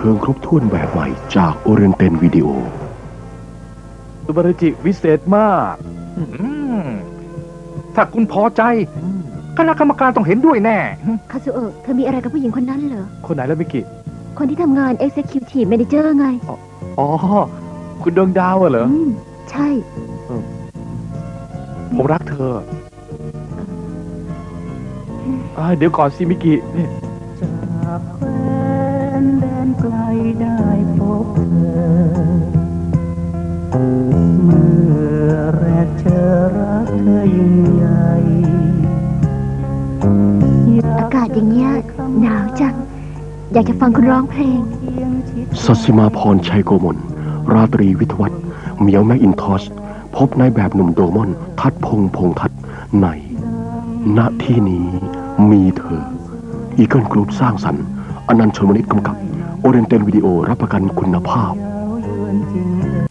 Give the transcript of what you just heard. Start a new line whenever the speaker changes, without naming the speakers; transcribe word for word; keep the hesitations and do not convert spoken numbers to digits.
ทิงครบถ้วนแบบใหม่จากโอเรนเตนวิดีโอ
สุบารุจิวิเศษมาก
ถ้าคุณพอใจคณะกรรมการต้องเห็นด้วยแน่
คาซุโอะเธอมีอะไรกับผู้หญิงคนนั้นเหรอ
คนไหนแล้วมิกิ
คนที่ทำงาน Executive Manager ไง
อ๋อคุณดวงดาวเหรอ
ใช่
ผมรักเธอเดี๋ยวก่อนสิมิกินี่
จากแคว้นแดนไกลได้พบเธอเมื่อแรกเจอรักเธอยิ่งใหญ่
อากาศอย่างเงี้ยหนาวจังอยากจะฟังคุณร้องเพลง
สัสิมาพรชัยโกมลราตรีวิทวัฒน์เหมียวแมคอินทอชพบในแบบหนุ่มโดมอนทัดพงพงทัดในณที่นี้มีเธออีเกิลกรุ๊ปสร้างสรรค์อนันต์ชลมนิตกำกับโอเรนเตนวิดีโอรับประกันคุณภาพ